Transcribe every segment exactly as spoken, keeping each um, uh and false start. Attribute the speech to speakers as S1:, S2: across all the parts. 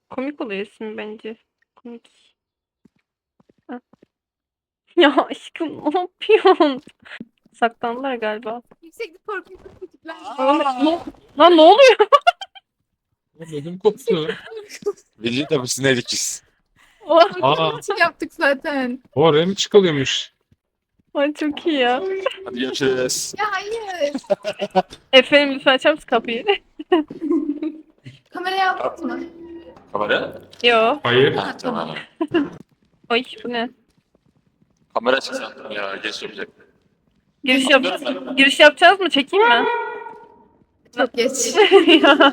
S1: Komik oluyor isim bence. Komik. Ha. Ya aşkım ne yapıyorsun? Saklandılar galiba.
S2: Yükseklik korkunç tipler.
S1: Lan, ne- lan ne oluyor?
S3: Ödüm koptu.
S4: Bilgi de biz ne dikişiz?
S3: Aa,
S2: için yaptık zaten.
S3: oraya mı çıkılıyormuş?
S1: Ay çok iyi ya.
S4: Hadi görüşürüz.
S2: Ya hayır.
S1: Efendim lütfen açar mısın kapıyı?
S2: Kamerayı aldın mı?
S4: Kamera?
S1: Yo.
S3: Hayır.
S4: Ha tamam.
S1: Ay bu ne?
S4: Kamera açık sandım ya. Geç yapacak.
S1: Giriş, yap giriş yapacağız mı? Çekeyim mi?
S2: Çok geç.
S1: Ya.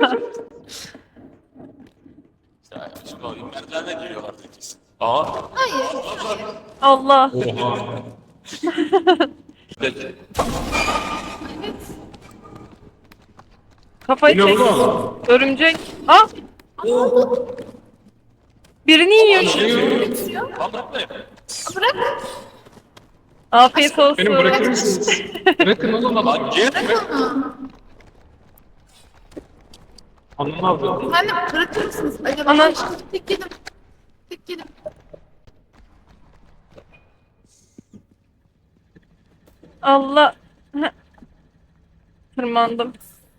S4: Ya şimdi o merdivenle geliyorlar dikişiz. Aa.
S2: Hayır.
S1: Allah.
S3: Oha.
S4: Peki.
S2: Evet.
S1: Kafayı
S3: Bu ne
S1: çek.
S3: oğlum?
S1: Örümcek. Ah! Birini yiyor şimdi.
S2: Bitiriyor.
S4: Lan bırakmayın.
S2: Bırak.
S1: Afiyet olsun.
S3: Beni bırakır mısınız? Bırakın oğlum
S4: Lan
S3: adam.
S4: git.
S2: Bırak onu.
S3: Anlamadım.
S2: Efendim bırakır mısınız? Acaba
S1: Ana-
S2: tek yedim. Tek yedim.
S1: Allah. Heh. Tırmandım.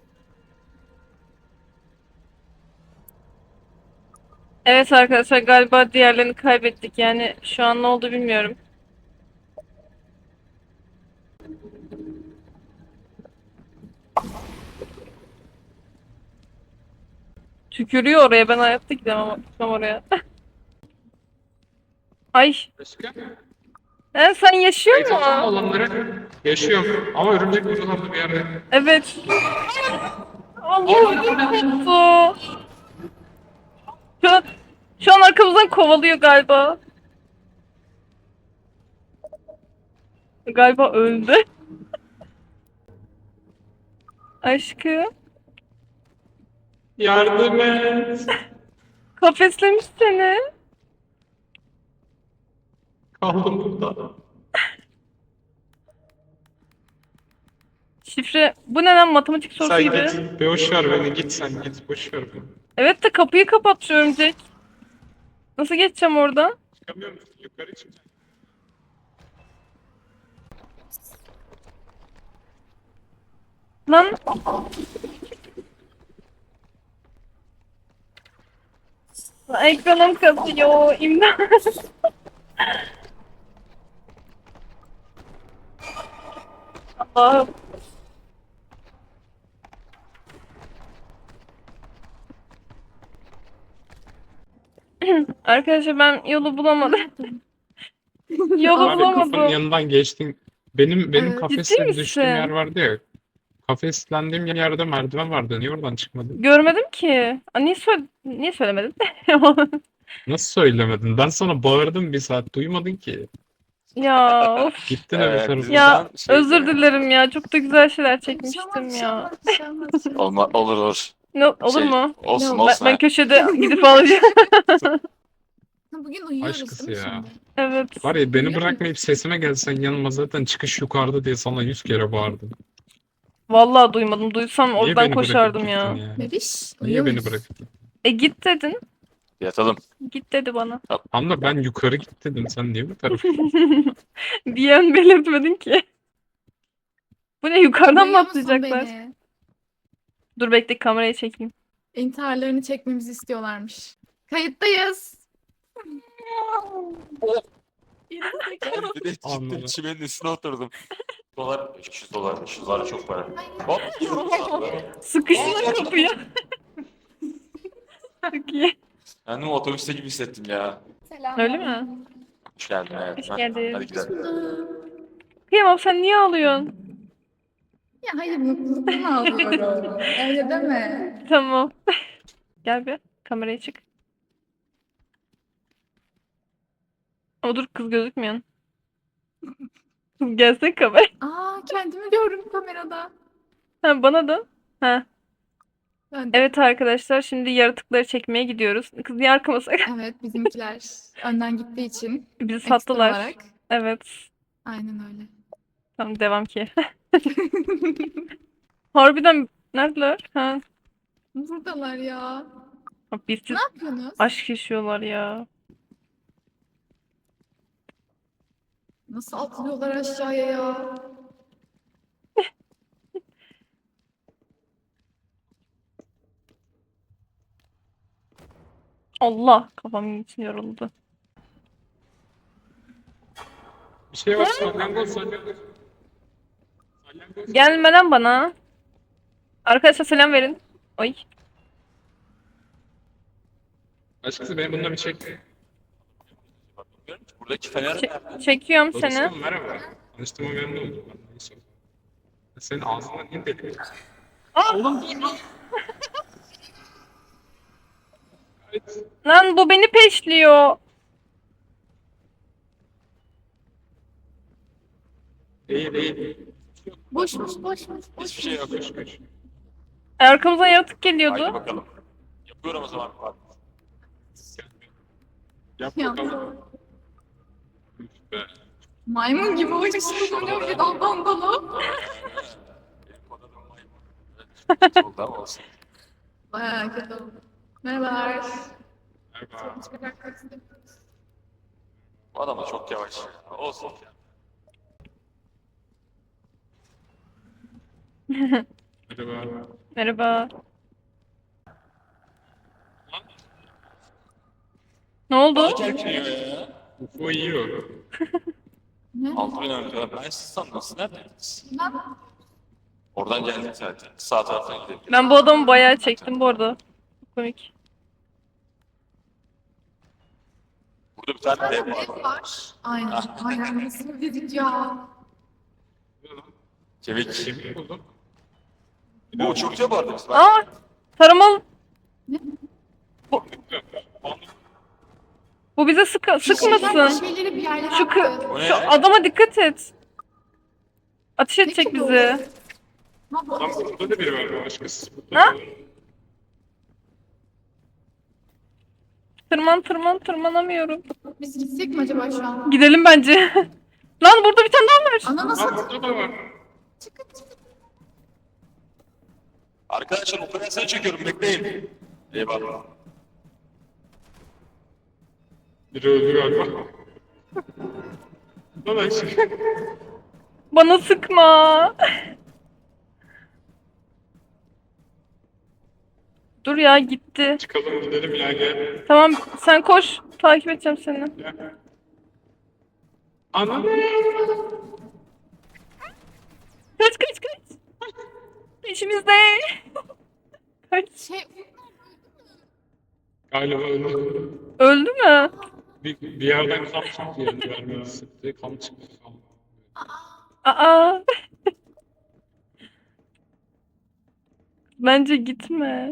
S1: Evet arkadaşlar galiba diğerlerini kaybettik. Yani şu an ne oldu bilmiyorum. Tükürüyor oraya. Ben hayatta gidemem ama gitmem oraya. Ay.
S3: Başka?
S1: He, sen yaşıyor
S3: Kayıtlı
S1: mu?
S3: olanları yaşıyorum. Ama örümcek buralarda bir yerde.
S1: Evet. Allah korktu. Şu an, şu an arkamızdan kovalıyor galiba. Galiba öldü. Aşkım.
S3: Yardım et.
S1: Kafeslemiş seni.
S3: Kaldım burada.
S1: Şifre. Bu ne lan, matematik sorusu
S3: Sen
S1: gibi.
S3: git. Boş ver beni. Git sen git. Boş ver beni.
S1: Evet de kapıyı kapat örümcek. Nasıl geçeceğim oradan?
S3: Çıkamıyor musun? Yukarı çık.
S1: Lan. Lan ekranım kasıyor. İmdat. Allah'ım. Arkadaşlar ben yolu bulamadım. Yolu
S3: Var ya kapının
S1: bulamadım.
S3: yanından geçtin. Benim benim
S2: Evet.
S3: kafesle
S1: Ciddi
S3: düştüğüm
S1: misin?
S3: yer vardı ya. Kafeslendiğim yerde merdiven vardı. Niye oradan çıkmadın?
S1: Görmedim ki. Aa, niye, söyle niye söylemedin?
S3: Nasıl söylemedin? Ben sana bağırdım bir saat. Duymadın ki.
S1: Ya of.
S3: Gittin öbür
S4: Evet,
S3: tarafa.
S4: bizim-
S1: Ya
S4: Buradan şey-
S1: özür dilerim ya. Çok da güzel şeyler
S2: Bir şey
S1: çekmiştim
S2: olmaz, bir şey
S1: ya.
S2: olmaz, bir şey olmaz, bir şey olmaz.
S4: Olma, olur olur.
S1: Ne, olur
S4: Şey,
S1: mu?
S4: Olsun
S2: Ben-
S1: Ben,
S4: olsun.
S1: ben
S4: ha.
S1: köşede gidip alacağım.
S2: Bugün uyuyoruz
S3: Aşkısı
S2: değil mi
S3: ya.
S2: şimdi?
S1: Evet.
S3: Var ya beni
S2: Biliyor
S3: bırakmayıp sesime gelsen yanıma zaten çıkış yukarıda diye sana yüz kere bağırdım.
S1: Vallahi duymadım. Duysam
S3: Niye
S1: oradan
S3: beni bırakıp
S1: koşardım
S3: gittin
S1: ya.
S3: ya?
S2: Bebiş.
S3: Niye
S2: uyuyor
S3: beni
S2: muyuz?
S3: bırakıp gittin?
S1: E git dedin.
S4: Yatalım.
S1: Git dedi bana.
S3: Anla ben yukarı git dedim. Sen niye bu tarafa?
S1: Bir yön belirtmedin ki. Bu ne, yukarıdan mı
S2: Duyuyor musun
S1: atlayacaklar?
S2: beni?
S1: Dur bekle, kamerayı çekeyim.
S2: İntiharlarını çekmemizi istiyorlarmış. Kayıttayız. Gerizekalı.
S4: Bir de çıktım
S3: Anladım.
S4: çimenin üstüne oturdum. Dolar, üç yüz dolar, üç yüz dolar çok para. Hop.
S1: Sıkıştılar kapıya. Çok iyi.
S4: Kendimi otobüste gibi hissettim ya.
S2: Selam.
S1: Öyle mi?
S4: Hoş geldin hayatım.
S1: Hoş
S4: Ha,
S1: geldin.
S4: Hadi gidelim.
S1: Kıyamam, sen niye ağlıyorsun?
S2: Ya hayır mutluluktan ağlıyorum. Öyle deme.
S1: Tamam. Gel bir kameraya çık. Ama dur, kız gözükmüyorsun. Kız gelsene kamera.
S2: Aa kendimi gördüm kamerada.
S1: Ha, bana da. Ha.
S2: Ben de.
S1: Evet arkadaşlar, şimdi yaratıkları çekmeye gidiyoruz. Kız niye arkama sak-
S2: Evet bizimkiler önden gittiği için
S1: Bizi
S2: ekstra
S1: sattılar.
S2: olarak.
S1: Evet.
S2: Aynen öyle.
S1: Tamam, devam ki. Harbiden neredeler? Ha.
S2: Buradalar ya.
S1: Bak birisi
S2: Ne yapıyorsunuz?
S1: aşk yaşıyorlar ya.
S2: Nasıl atlıyorlar aşağıya ya?
S1: Allah kafam için yoruldu.
S3: Bir şey var. Salyangoz salyangoz. Salyangoz.
S1: Gelme lan bana. Arkadaşlar selam verin. Ay.
S3: Açıkçası benim bununla bir çek.
S4: Bilmiyorum ki, buradaki fener
S1: Çe-
S4: nerede?
S1: çekiyorum seni.
S3: Dostum merhaba. Tanıştığıma memnun oldum ben. Neyse. Senin ağzından niye deli?
S1: Aa!
S3: Oğlum dur. Evet.
S1: Lan bu beni peşliyor.
S3: Değil değil.
S2: Boşmuş boşmuş.
S4: Hiçbir şey yok.
S3: Koş koş.
S1: Arkamızdan yaratık
S4: Haydi
S1: geliyordu.
S4: bakalım. Yapıyorum o zaman. Bak.
S3: Yap
S2: Ya.
S3: bakalım. Üf be.
S2: Maymun gibi uçuştu böyle bir daldan dala.
S4: Benim kod adım maymun. Evet, kötü oldu ama olsun.
S2: Bayağı kötü oldu. Merhabalar.
S3: Merhaba.
S2: Çıkacak istemiyoruz.
S4: Bu adam da çok yavaş. ya. Olsun.
S3: Merhaba.
S1: Merhaba. Ne oldu?
S4: Bana kerkiniyor ya.
S3: U F O yiyor.
S2: Ne?
S4: Altı bin ömrü. Ben siz sandım. Siz neredeydiniz?
S2: Ben
S4: Oradan geldik zaten. Sağ taraftan gidelim.
S1: Ben bu adamı bayağı çektim bu arada. Çok komik.
S4: Burada bir tane
S2: zaten
S4: dev var.
S2: ev var. Aynen. Aynen. Nasıl dedik ya?
S3: Ne lan?
S4: Kemik.
S3: Kemik buldum.
S4: Bu uçurtuyor bu arada biz. Bak.
S1: Aa! Taramalı. Bu bize sıkı
S2: Bir şeyler, bir
S1: sıkmasın.
S2: şeyleri bir yerlere
S1: Şu, kı-
S2: attı.
S4: O ne?
S1: şu adama dikkat et. Ateş edecek
S2: Peki bu?
S1: bizi.
S2: Ne bu?
S3: Lan burada da biri var başkası. Burada
S1: Ha?
S3: da var.
S1: Tırman tırman tırmanamıyorum.
S2: Biz gitsek mi acaba şu an?
S1: Gidelim bence. Lan burada bir tane daha var.
S2: Ana
S3: Lan
S2: nasıl?
S3: burada da var.
S2: Çıkın çıkın.
S4: Arkadaşlar operasyonu çekiyorum. Bekleyin. Eyvallah.
S3: Biri öldü galiba. Lan aşık.
S1: Bana sıkma. Dur ya gitti.
S3: Çıkalım gidelim ya gel.
S1: Tamam sen koş. Takip edeceğim seni.
S3: Gel. Anam.
S1: Kaç kaç kaç. Peşimizde. Kaç.
S2: Şey,
S3: Galiba öldü.
S1: Öldü mü?
S3: Bir, bir yerden kan çıktı yani vermeyi sıktı. Kan çıktı. Kan.
S1: Aa. Bence gitme.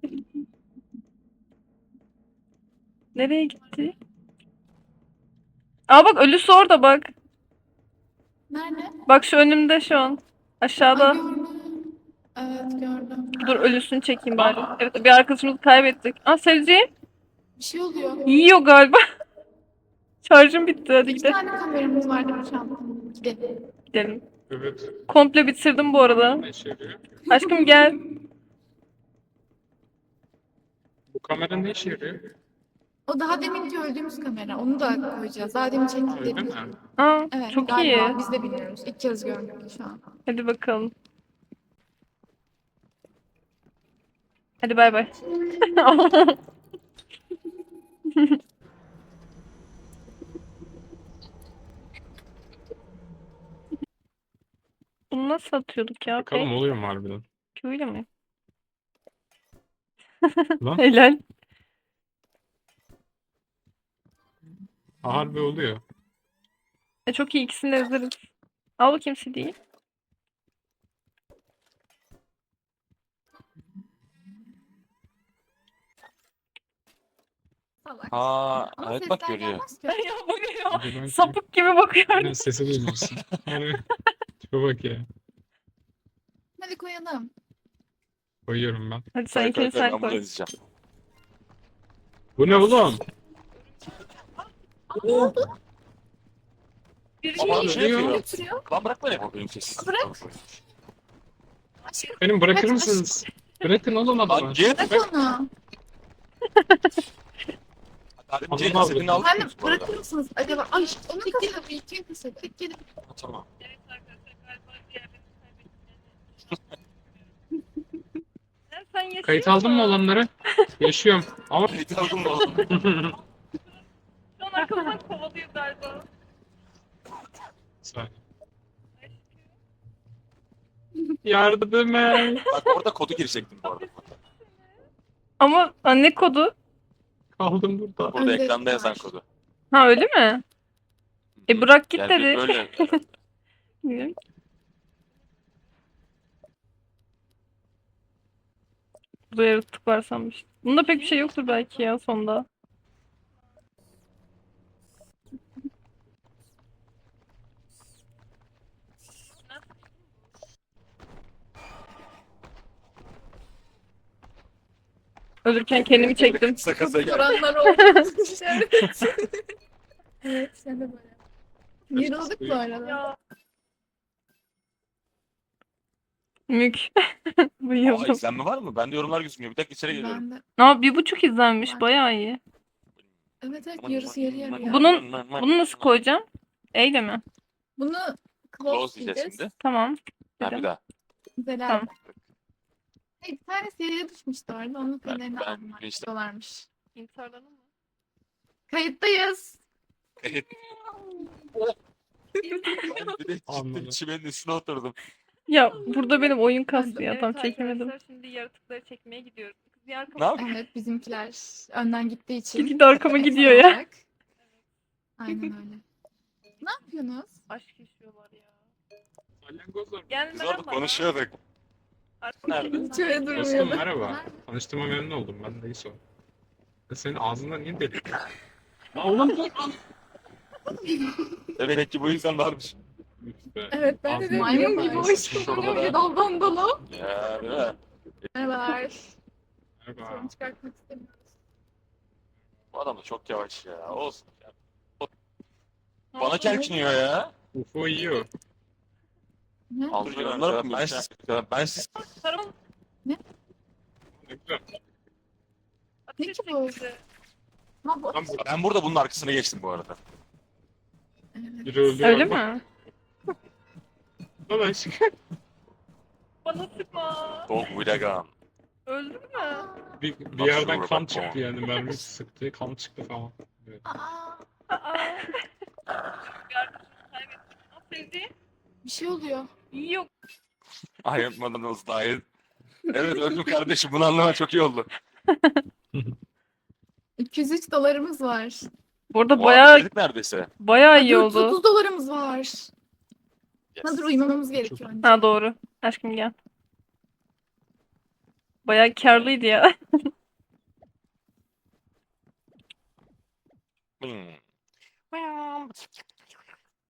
S1: Nereye gitti? Aa bak ölüsü orada bak.
S2: nerede?
S1: Bak şu önümde şu an. Aşağıda.
S2: Ay, gördüm. Evet gördüm.
S1: Dur ölüsünü çekeyim bari. Evet bir arkadaşımızı kaybettik. Aa Sevci
S2: Bir şey oluyor.
S1: yiyor galiba. Şarjım bitti hadi
S2: İki
S1: gidelim.
S2: tane kameramız vardı bu çantamda. Gidelim.
S1: Gidelim.
S3: Evet.
S1: Komple bitirdim bu arada.
S3: Ne işe yarıyor?
S1: Aşkım gel.
S3: Bu kamera ne işe yarıyor?
S2: O daha deminki öldüğümüz kamera. Onu da koyacağız. Daha demin
S3: Ha, öyle
S2: çektiklerimiz.
S3: mi?
S1: Aa
S2: Evet,
S1: çok
S2: galiba.
S1: iyi.
S2: Biz de bilmiyoruz. İlk kez gördük şu an.
S1: Hadi bakalım. Hadi bay bay. Bunu nasıl atıyorduk ya?
S3: Bakalım oluyor mu harbiden?
S1: Q'yla mı?
S3: Lan
S1: Helal.
S3: harbi oluyor.
S1: E, çok iyi ikisini de yazarız. Al bakayım C D'yi.
S2: Salak.
S4: Ha,
S2: Ama
S4: evet bak
S2: sesler
S4: görüyor.
S2: gelmez ki.
S1: Ya bakıyor.
S3: Bir de ben-
S1: Sapık gibi bakıyor.
S3: Aynen sesi duymuyorsun. Yani tipe bak ya.
S2: Hadi koyalım.
S3: Koyuyorum ben.
S1: Hadi sen
S4: Koy,
S1: ikini
S4: koy, koy,
S1: sen
S4: ben bunu
S1: koy.
S4: izleyeceğim.
S3: Bu ne oğlum?
S1: Bir
S4: Ama
S3: Şey
S4: şey
S3: yapıyor.
S4: yapıyor.
S2: Götürüyor.
S4: Lan bırak beni. O benim sesim.
S2: Bırak. Aşkım
S3: Benim bırakır
S2: Kaç-
S3: mısınız? Bırakın oğlum
S4: Lan
S3: adamı.
S4: git.
S2: bırak onu.
S4: Adem
S3: Anladım
S4: C'nin
S3: abi.
S4: setini aldık
S2: Efendim
S4: mı bu arada?
S2: bırakır mısınız acaba? Ay onun kaseti. İlkin kaseti. Tek gelip
S4: Ha, tamam.
S1: Evet arkadaşlar galiba diğerlerini kaybettim. Sen, sen yaşıyor
S3: Kayıt aldın mı
S1: musun?
S3: olanları? Yaşıyorum. Ama
S4: Kayıt aldın mı oğlum?
S1: Şu an arkamızdan kovalıyor galiba.
S3: Saniye. Yardım et.
S4: Bak orada kodu girecektim bu arada.
S1: Ama ha, ne kodu?
S3: Kaldım burada.
S4: Burada
S2: Önde
S4: ekranda yazan
S2: var.
S4: kodu.
S1: Ha öyle mi? E bırak git
S4: Yani
S1: dedi.
S4: böyle herhalde.
S1: Bilmiyorum. Burada yaratık var sanmıştım. Bunda pek bir şey yoktur belki ya sonda. Ölürken kendimi çektim.
S4: Kısa kısa gel.
S2: soranlar oldu. Evet. Evet sen de böyle. Yarıldık bu arada.
S1: Ya. Mük.
S4: Aa,
S1: Bayıldım.
S4: izlenme var mı? Bende yorumlar gözükmüyor. Bir dakika içeri geliyorum.
S2: Ben de.
S1: Aa, bir buçuk izlenmiş.
S2: Var.
S1: Bayağı iyi.
S2: Evet evet yarısı yarı yarı. ya.
S1: Bunun- Bunu nasıl koyacağım? Eyle mi?
S2: Bunu
S4: Close
S2: close
S4: diyeceğiz
S2: diyeceğiz.
S4: şimdi.
S1: Tamam.
S4: Ha,
S1: Dedim.
S4: bir daha.
S2: Güzel.
S1: Tamam.
S2: Hayır, bir tanesi yere düşmüştü orada. Onun
S4: Ben-
S2: pelerini
S4: ben
S2: aldılar.
S4: işte-
S2: Diyorlarmış.
S1: İntiharlanın mı?
S2: Kayıttayız.
S4: Evet. Ben direkt
S3: Anladım.
S4: cidden çimenin üstüne oturdum.
S1: Ya burada benim oyun kastı ya.
S2: Evet
S1: Tam çekemedim.
S5: Şimdi yaratıkları çekmeye gidiyoruz. Kız diğer
S4: Ne yapayım?
S2: Evet bizimkiler önden gittiği için.
S1: Gidi de arkama
S2: Ekstra
S1: gidiyor ya.
S2: olarak. Aynen öyle. Ne yapıyorsunuz?
S5: aşk yaşıyorlar ya.
S3: Salyangozlar.
S5: Gel
S4: Biz orada konuşuyorduk.
S5: Artık
S4: Nerede?
S2: Hiç öyle
S3: Dostum
S2: durmuyordu.
S3: merhaba. Tanıştığıma memnun oldum. Ben de İso. Ya senin ağzından niye delik? Lan oğlum dur.
S4: Evet ki bu insan varmış.
S3: İşte.
S2: Evet ben de
S3: Ağzından
S2: dedim
S3: niye
S2: maymun gibi
S3: bağırıyorsun?
S2: hoş
S4: Şurada
S2: bulunuyor.
S4: da-
S2: Bir daldan dala.
S4: Ya değil mi?
S2: Merhabalar.
S3: Merhaba.
S2: Sorun çıkartmak istemiyoruz.
S4: Bu adam da çok yavaş ya. Olsun. Ya.
S1: Ne
S4: Bana
S1: oldu?
S4: kelkiniyor ya.
S3: U F O yiyor.
S2: Ne?
S4: Aldır yorumlar ben siz ben siz
S1: Tarım
S3: Ne güzel.
S2: Ne ki bu? Ha, bu...
S3: Lan bu
S4: ben burada bunun arkasına geçtim bu arada.
S2: Evet.
S3: biri öldü.
S1: öyle mi?
S3: Lan aşkım.
S1: Bana sıkma.
S4: Dog with a gun.
S1: Öldün mü?
S3: Bir, bir
S4: Bak
S3: yerden
S4: şuraya
S3: kan
S4: bak,
S3: çıktı
S4: tamam.
S3: yani mermi sıktı kan çıktı falan. Evet.
S2: Aa,
S1: Aa. Bir arkadaşımı kaybettim. Aa, sevdiğim.
S2: bir şey oluyor.
S1: Yok.
S4: I am Madanız dahil. Evet öldüm kardeşim bunu anlaman çok iyi oldu.
S2: iki yüz üç dolarımız var.
S1: Bu arada
S4: Bu
S1: bayağı
S4: arada dedik neredeyse.
S1: bayağı iyi
S2: dört yüz
S1: oldu.
S2: otuz dolarımız var.
S4: Yes.
S2: Hazır uyumamamız gerekiyor önce.
S1: Ha doğru. Aşkım gel. Bayağı karlıydı ya.
S4: Hmm.